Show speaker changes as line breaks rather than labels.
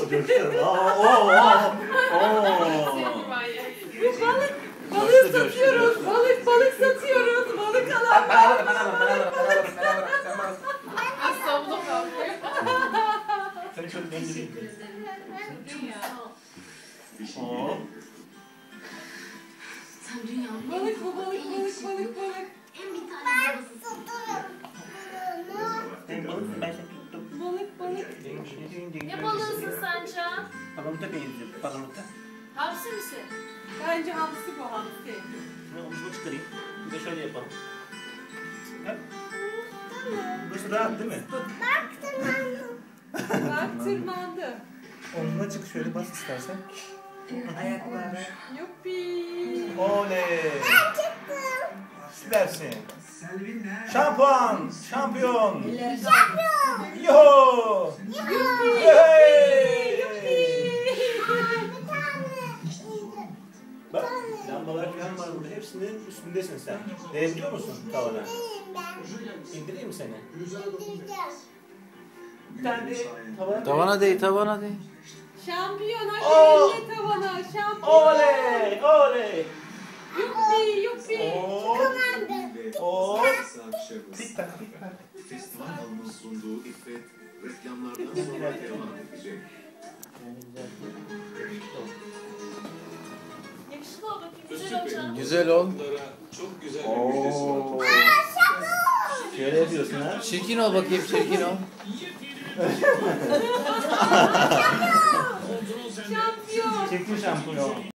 coştu.
Balık satıyoruz. Balık satıyoruz. Balık alanlar.
İstanbul'a kalkıyor.
Seni şöyle döndüreyim.
Balık bu balık.
En bir tane babası.
Ben seni tuttum.
Balık.
Ne balığısın sen Can?
Palamut'a benziyor. Palamut'a.
Hamsi misin?
Bence hamsi bu hamsi.
Şimdi omuzunu çıkarayım. Bir de şöyle yapalım. Ha? Burası rahat değil mi?
Bak tırmandı.
Omzuna çık şöyle bas istersen.
Ayakları. Yuppi.
Oley. Süpersin. Şampuan. Şampiyon. Yo. Hey. Bak lambalar falan var burada. Hepsinin üstündesin sen. Değebiliyor musun tavana? İndireyim mi seni? Bir tane de
Tavana değ, tavana değ.
Şampiyon
Oo.
hadi elle tavana. Şampiyon.
Oley. Oley.
Yuppi.
Oo. Tik tak tik tak.
Festival Hanım'ın sunduğu İffet reklamlardan sonra devam edecek.
Yakışıklı ol bakayım. Güzel ol Can.
Güzel ol.
Çok güzel bir müjdesi var.
Oo. Şöyle yapıyorsun ha.
Çirkin ol bakayım, çirkin ol.
Şampiyon.
Çekti şampiyon.